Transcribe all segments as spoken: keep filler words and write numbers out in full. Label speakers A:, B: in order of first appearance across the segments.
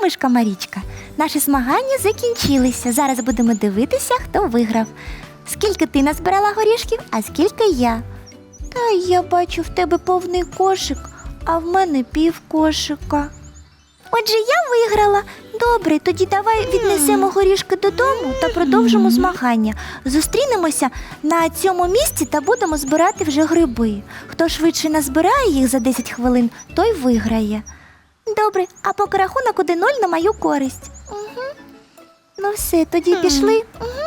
A: мишка Марічка. Наші змагання закінчилися. Зараз будемо дивитися, хто виграв. Скільки ти назбирала горішків, а скільки я. Та я бачу, в тебе повний кошик, а в мене пів кошика. Отже, я виграла. Добре, тоді давай віднесемо горішки додому та продовжимо змагання. Зустрінемося на цьому місці та будемо збирати вже гриби. Хто швидше назбирає їх за десять хвилин, той виграє. Добре, а поки рахунок один нуль на мою користь. Угу. Ну все, тоді пішли.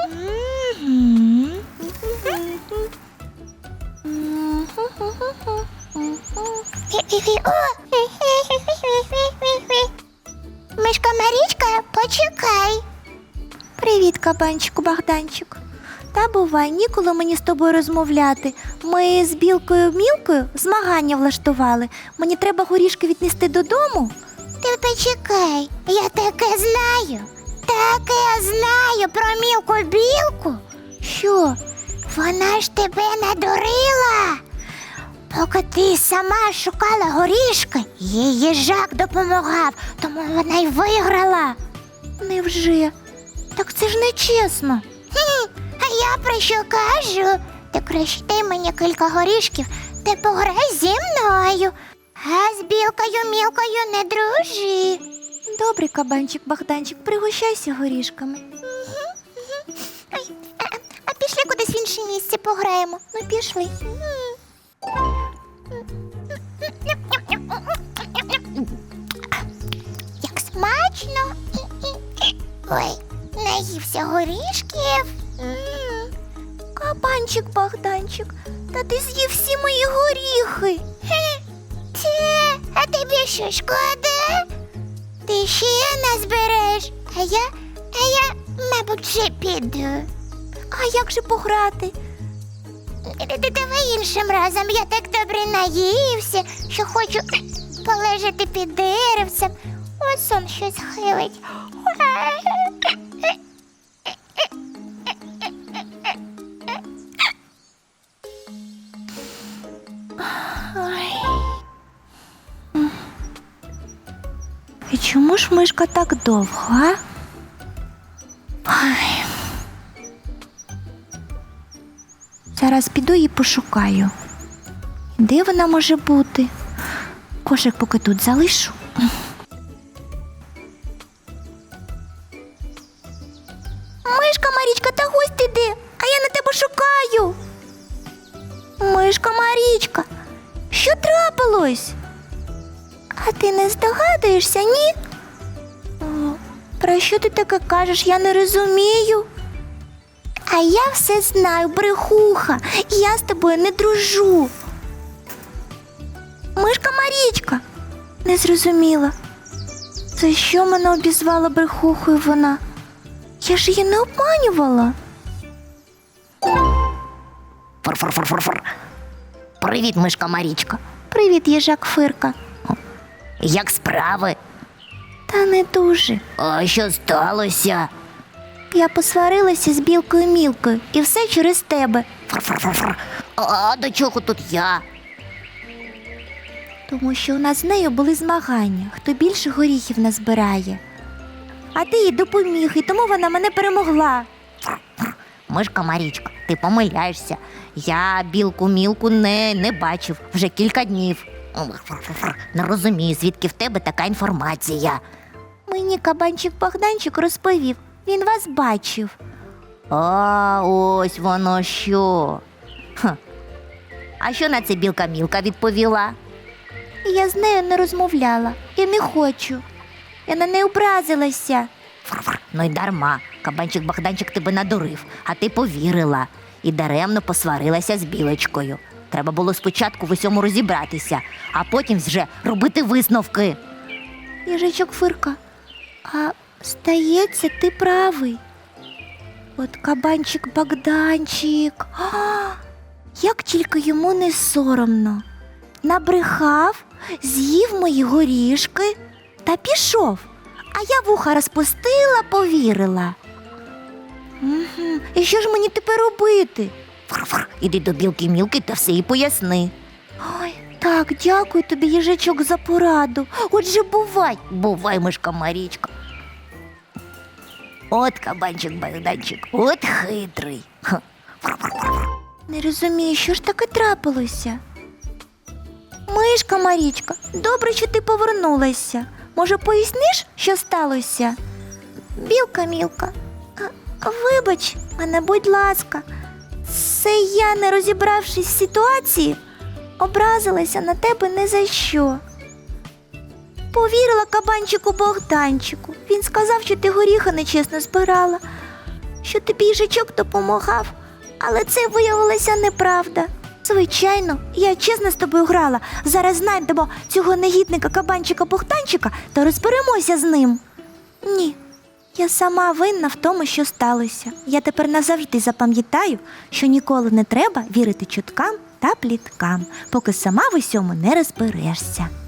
B: Мишка Марічка, почекай.
A: Привіт, кабанчику Богданчик. Та бувай, ніколи мені з тобою розмовляти. Ми з білкою Мілкою змагання влаштували. Мені треба горішки віднести додому.
B: Ти почекай, я таке знаю. Таке знаю про Мілку-білку.
A: Що?
B: Вона ж тебе надурила. Поки ти сама шукала горішки, їй їжак допомагав, тому вона й виграла.
A: Невже? Так це ж нечесно.
B: Хм, а я про що кажу? Ти краще дай мені кілька горішків, ти пограй зі мною. А з білкою Мілкою не дружи.
A: Добре, кабанчик Богданчик, пригощайся горішками.
B: Ой, а, а пішли кудись в інше місце пограємо.
A: Ну, пішли.
B: Як смачно. Ой, наївся горішків. М.
A: Кабанчик Богданчик, та ти з'їв всі мої горіхи.
B: Хе, Це, а тобі що, шкода? Ти ще назбереш, а я, а я, мабуть, вже піду.
A: А як же пограти?
B: Д- Давай іншим разом, я так добре наївся, що хочу полежати під деревцем. Ось сон щось хилить.
A: І чому ж мишка так довго, а? Ой. Зараз піду і пошукаю. Де вона може бути? Кошик поки тут залишу. Мишка Марічка, та гусь ти де? А я на тебе шукаю. Мишка Марічка, що трапилось? А ти не здогадуєшся, ні? О, про що ти таке кажеш, я не розумію. А я все знаю, брехуха, і я з тобою не дружу. Мишка Марічка, не зрозуміла. За що мене обізвала брехухою вона? Я ж її не обманювала.
C: Фур-фур-фур-фур-фур. Привіт, мишка Марічка.
A: Привіт, їжак Фирка.
C: Як справи?
A: Та не дуже.
C: А що сталося?
A: Я посварилася з білкою Мілкою, і все через тебе.
C: Фур-фур-фур-фур. А до чого тут я?
A: Тому що у нас з нею були змагання, хто більше горіхів назбирає. А ти їй допоміг, і тому вона мене перемогла.
C: Мишка Марічка, ти помиляєшся. Я білку-мілку не, не бачив вже кілька днів. Фур-фур-фур. Не розумію, звідки в тебе така інформація.
A: Мені кабанчик Богданчик розповів, він вас бачив.
C: А ось воно що. Ха. А що на це білка-мілка відповіла?
A: І я з нею не розмовляла, і не хочу. Я на неї образилася.
C: Фур-фур. Ну й дарма. Кабанчик Богданчик тебе надурив, а ти повірила. І даремно посварилася з білочкою. Треба було спочатку в усьому розібратися, а потім вже робити висновки.
A: Їжачок Фирка, а здається, ти правий. От кабанчик Богданчик, а, як тільки йому не соромно. Набрехав, з'їв мої горішки та пішов. А я вуха розпустила, повірила. Угу. І що ж мені тепер робити?
C: Фур-фур. Іди до білки-мілки та все їй поясни.
A: Ой, та Так, дякую тобі, їжачок, за пораду. Отже, бувай.
C: Бувай, мишка Марічка. От кабанчик Богданчик, от хитрий. Ха.
A: Не розумію, що ж таке трапилося. Мишка Марічка, добре, що ти повернулася. Може, поясниш, що сталося? Білка Мілка, а, вибач мене, будь ласка. Це я, не розібравшись в ситуації, образилася на тебе не за що. Повірила кабанчику Богданчику. Він сказав, що ти горіха нечесно збирала, що тобі їжачок допомагав, але це виявилося неправда. Звичайно, я чесно з тобою грала. Зараз знайдемо цього негідника кабанчика Богданчика та розберемося з ним. Ні, я сама винна в тому, що сталося. Я тепер назавжди запам'ятаю, що ніколи не треба вірити чуткам та пліткам, поки сама в усьому не розберешся.